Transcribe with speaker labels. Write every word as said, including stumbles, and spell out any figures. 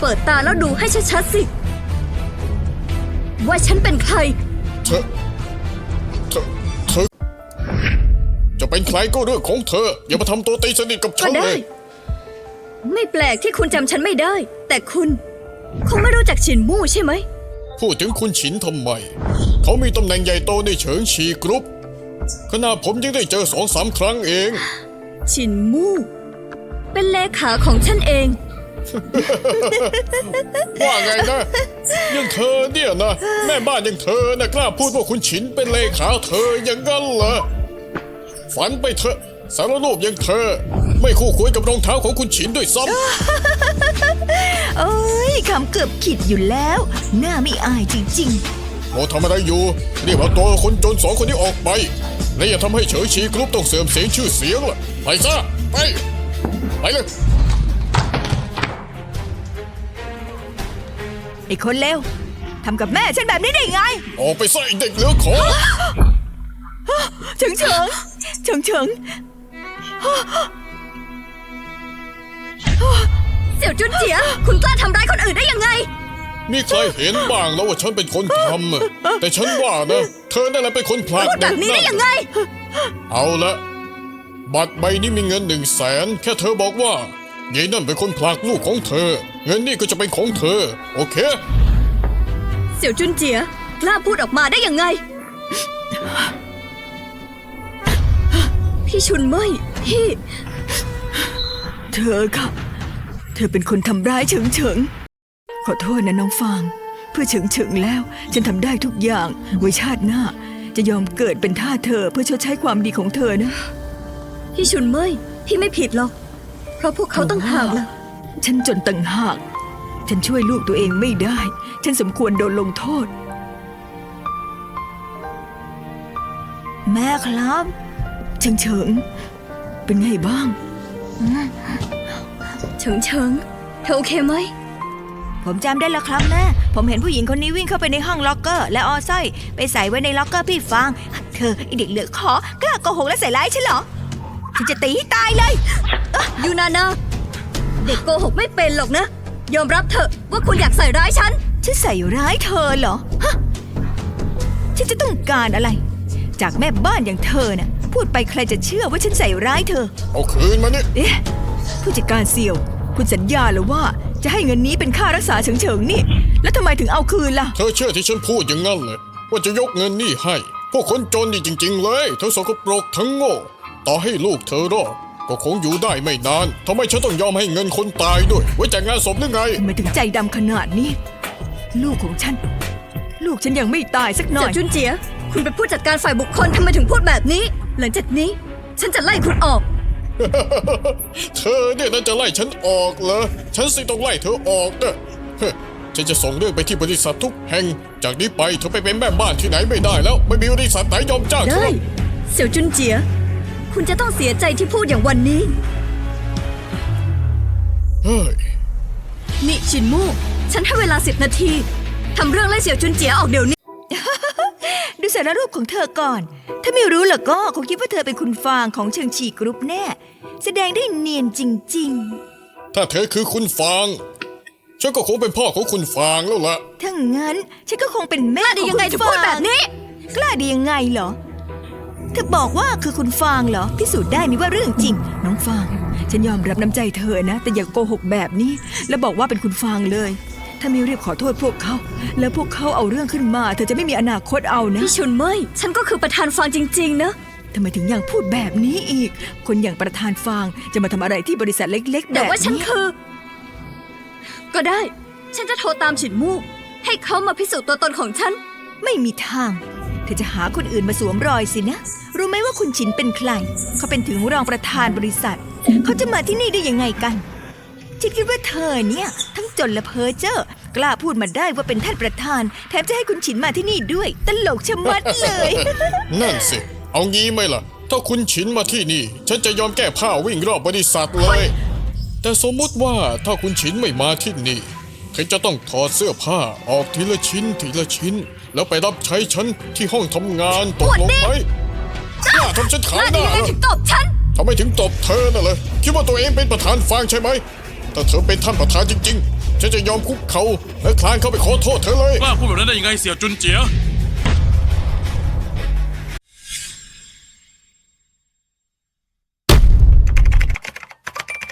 Speaker 1: เปิดตาแล้วดูให้ชัดๆสิว่าฉันเป็นใคร
Speaker 2: เธอเธอเธอจะเป็นใครก็เรื่องของเธออย่ามาทำตัวตีสนิทกับฉันเลย
Speaker 1: ไม่แปลกที่คุณจำฉันไม่ได้แต่คุณคงไม่รู้จักฉินมู่ใช่ไหม
Speaker 2: พูดถึงคุณฉินทำไมเขามีตำแหน่งใหญ่โตในเฉิงชีกรุ๊ปขณะผมยังได้เจอสองสามครั้งเอง
Speaker 1: ฉินมู่เป็นเลขาของฉันเอง
Speaker 2: ว่าไงนะยังเธอเนี่ยนะแม่บ้านยังเธอนะกล้าพูดว่าคุณฉินเป็นเลขาเธออย่างนั้นเหรอฝันไปเถอะสารรูปยังเธอไม่คู่ควรกับรองเท้าของคุณฉินด้วยซ้
Speaker 3: ำ โอ้ยคำเกือบขิดอยู่แล้วหน้าไม่อายจริง
Speaker 2: ๆโมทำอะไรอยู่เรียกว่าตัวคนจนสองคนนี้ออกไปและอย่าทำให้เฉิงชีกรุ๊ปต้องเสื่อมเสียงชื่อเสียงล่ะไปซะไปไปเลย
Speaker 3: ไอ้คนเลวทำกับแม่ฉันแบบนี้ได้ไง
Speaker 2: ออกไปซะไอ้เด็กเหลือขอ
Speaker 3: เฉิงเฉิงเฉิงเฉิง
Speaker 1: เสี่ยวจุนเจียคุณกล้าทำร้ายคนอื่นได้ยังไง
Speaker 2: มีใครเห็นบ้างแล้วว่าฉันเป็นคนทำแต่ฉันว่านะเธอนั่นแหละเป็นคนผลักเด็กนั่น
Speaker 1: แบบนี้ได้ยังไง
Speaker 2: เอาละบัตรใบนี้มีเงินหนึ่งแสนแค่เธอบอกว่ายายนั่นเป็นคนผลักลูกของเธอเงินนี่ก็จะเป็นของเธอโอเค
Speaker 1: เสี่ยวจุนเจียกล้าพูดออกมาได้ยังไงพี่ชุนเมยพี่
Speaker 3: เธอค่ะเธอเป็นคนทำร้ายเฉิงเฉิงขอโทษนะน้องฟางเพื่อเฉิงเฉิงแล้วฉันทำได้ทุกอย่างไว้ชาติหน้าจะยอมเกิดเป็นท่าเธอเพื่อชดใช้ความดีของเธอนะ
Speaker 1: พี่ชุนเมยพี่ไม่ผิดหรอกเพราะพวกเขาต้องหากล่ะ
Speaker 3: ฉันจนต่างหากฉันช่วยลูกตัวเองไม่ได้ฉันสมควรโดนลงโทษแม่ครับเฉิงเฉิงเป็นไงบ้าง
Speaker 1: เฉิงเฉิงเธอโอเคไหม
Speaker 3: ผมจำได้แล้วครับแม่ผมเห็นผู้หญิงคนนี้วิ่งเข้าไปในห้องล็อกเกอร์และเอาสร้อยไปใส่ไว้ในล็อกเกอร์พี่ฟางเธอไอเด็กเหลือขอกล้าโกหกและใส่ร้ายฉันเหรอฉันจะตีให้ตายเลย
Speaker 1: ยูนานาเด็กโกหกไม่เป็นหรอกนะยอมรับเถอะว่าคุณอยากใส่ร้ายฉัน
Speaker 3: ฉันใส่ร้ายเธอเหรอฮะฉันจะต้องการอะไรจากแม่บ้านอย่างเธอน่ะพูดไปใครจะเชื่อว่าฉันใส่ร้ายเธอ
Speaker 2: เอาคืนมานี่
Speaker 3: เอ๊ะผู้จัดการเสี่ยวคุณสัญญาหรือว่าจะให้เงินนี้เป็นค่ารักษาเฉิงเฉิงนี่แล้วทำไมถึงเอาคืนล่ะ
Speaker 2: เธอเชื่อที่ฉันพูดอย่างนั้นเลยว่าจะยกเงินนี่ให้พวกคนจนนี่จริงๆเลยเธอสกปรกทั้งโง่ต่อให้ลูกเธอรอดก็คงอยู่ได้ไม่นานทำไมฉันต้องยอมให้เงินคนตายด้วยไว้แต่งงานศพหรือไง
Speaker 3: ทำไมถึงใจดำขนาดนี้ลูกของฉันลูกฉันยังไม่ตายสักหน่อย
Speaker 1: เสี่ยวจุนเจียคุณเป็นผู้จัดการฝ่ายบุคคลทำไมถึงพูดแบบนี้หลังจากนี้ฉันจะไล่คุณออก
Speaker 2: เธอเนี่ยน่าจะไล่ฉันออกเหรอฉันสิต้องไล่เธอออกเด้อฉันจะส่งเรื่องไปที่บริษัททุกแห่งจากนี้ไปเธอไปเป็นแม่บ้านที่ไหนไม่ได้แล้วไม่มีบริษัทไหนยอมจ้างเธอ
Speaker 1: ได้เสี่ยวจุนเจียคุณจะต้องเสียใจที่พูดอย่างวันนี้
Speaker 2: เฮ้ย
Speaker 1: นี่ชินมู่ฉันให้เวลาสิบนาทีทำเรื่องไล่เสี่ยวจุนเจียออกเดี๋ยวนี้
Speaker 3: ดูสารรูปของเธอก่อนถ้าไม่รู้ล่ะก็คงคิดว่าเธอเป็นคุณฟางของเฉิงชีกรุ๊ปแน่แสดงได้เนียนจริง
Speaker 2: ๆถ้าเธอคือคุณฟางฉันก็คงเป็นพ่อของคุณฟางแล้วล่ะ
Speaker 3: ถ้างั้นฉันก็คงเป็นแม่
Speaker 1: ของคุณฟางกล้าดียังไงจะพูดแบบนี้
Speaker 3: กล้าดียังไงเหรอเธอบอกว่าคือคุณฟางเหรอพิสูจน์ได้ไหมว่าเรื่องจริงน้องฟางฉันยอมรับน้ำใจเธอนะแต่อย่าโกหกแบบนี้แล้วบอกว่าเป็นคุณฟางเลยถ้าไม่รีบขอโทษพวกเขาแล้วพวกเขาเอาเรื่องขึ้นมาเธอจะไม่มีอนาคตเอานะ
Speaker 1: พี่ชุนเมยฉันก็คือประธานฟางจริงๆนะ
Speaker 3: ทำไมถึงยังพูดแบบนี้อีกคนอย่างประธานฟางจะมาทำอะไรที่บริษัทเล็กๆแบบนี้
Speaker 1: แต่ว่าฉันคือก็ได้ฉันจะโทรตามฉินมู่ให้เขามาพิสูจน์ตัวตนของฉัน
Speaker 3: ไม่มีทางเธอจะหาคนอื่นมาสวมรอยสินะรู้ไหมว่าคุณฉินเป็นใครเขาเป็นถึงรองประธานบริษัทเขาจะมาที่นี่ได้ยังไงกันฉันคิดว่าเธอเนี่ยทั้งจนและเพ้อเจ้อกล้าพูดมาได้ว่าเป็นท่านประธานแถมจะให้คุณฉินมาที่นี่ด้วยตลกชะมัดเลย
Speaker 2: นั่นสิเอางี้ไหมล่ะถ้าคุณฉินมาที่นี่ฉันจะยอมแก้ผ้าวิ่งรอบบริษัทเลยแต่สมมุติว่าถ้าคุณฉินไม่มาที่นี่เธอจะต้องถอดเสื้อผ้าออกทีละชิ้นทีละชิ้นแล้วไปรับใช้ฉันที่ห้องทำงานตกลงไหมกล้าทำฉันขายหน้าเหรอ
Speaker 1: ถึงตบฉัน
Speaker 2: ทำไมถึงตบเธอน่ะเลยคิดว่าตัวเองเป็นประธานฟางใช่ไหมถ้าเธอเป็นท่านประธานจริงๆฉันจะยอมคุกเขาและคลานเข้าไปขอโทษเธอเลย
Speaker 4: กล้าพูดแบบนั้นได้ยังไงเสี่ยวจุนเจีย